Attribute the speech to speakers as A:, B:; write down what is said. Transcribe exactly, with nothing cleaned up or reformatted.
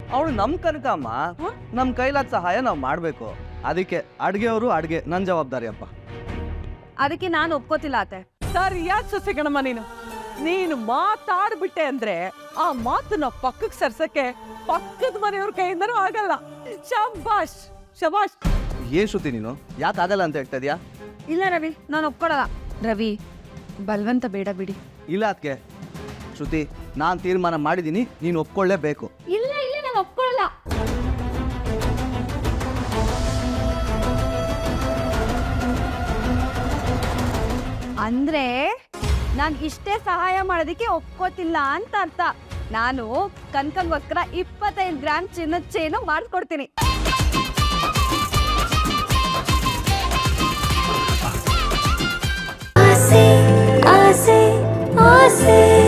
A: ಅವಳು ನಮ್ ಕನಕಮ್ಮ, ನಮ್ ಕೈಲಾದ ಸಹಾಯ ನಾವು ಮಾಡ್ಬೇಕು. ಅದಕ್ಕೆ ಅಡ್ಗೆಯವರು ಅಡ್ಗೆ ನನ್ ಜವಾಬ್ದಾರಿ ಅಪ್ಪ.
B: ಅದಕ್ಕೆ ನಾನು ಒಪ್ಕೋತಿಲ್ಲ ಅತ್ತೆ.
C: ಸರಿಯಾದ ಸೊಸೆ ಕಣಮ್ಮ ನೀನು. ನೀನು ಮಾತಾಡ್ಬಿಟ್ಟೆ ಅಂದ್ರೆ ಆ ಮಾತನ್ನ ಪಕ್ಕಕ್ಕೆ ಸರ್ಸಕ್ಕೆ ಪಕ್ಕದ ಮನೆಯವ್ರ ಕೈಯಿಂದನೂ ಆಗಲ್ಲ. ಶಬಾಷ್ ಶಬಾಷ್.
A: ಏನ್ ಶ್ರುತಿ ನೀನು ಯಾಕೆ ಆಗಲ್ಲ ಅಂತ ಹೇಳ್ತಾ ಇದೀಯಾ?
B: ಇಲ್ಲ ರವಿ, ನಾನು ಒಪ್ಕೊಳಲ್ಲ. ರವಿ, ಬಲ್ವಂತ ಬೇಡ ಬಿಡಿ.
A: ಇಲ್ಲ ಅದಕ್ಕೆ ಶ್ರುತಿ, ನಾನ್ ತೀರ್ಮಾನ ಮಾಡಿದೀನಿ, ನೀನು ಒಪ್ಕೊಳ್ಳೇಬೇಕು.
B: ಇಲ್ಲ ಇಲ್ಲ, ನಾನು ಒಪ್ಕೊಳಲ್ಲ. ಅಂದ್ರೆ ನಾನು ಇಷ್ಟೇ ಸಹಾಯ ಮಾಡೋದಕ್ಕೆ ಒಪ್ಕೋತಿಲ್ಲ ಅಂತ ಅರ್ಥ. ನಾನು ಕನಕಂಗೋಸ್ಕರ ಇಪ್ಪತ್ತೈದು ಗ್ರಾಮ್ ಚಿನ್ನದ ಚೇನು ಮಾಡಿಸ್ಕೊಡ್ತೀನಿ.
D: ಆಸೆ ಆಸೆ ಆಸೆ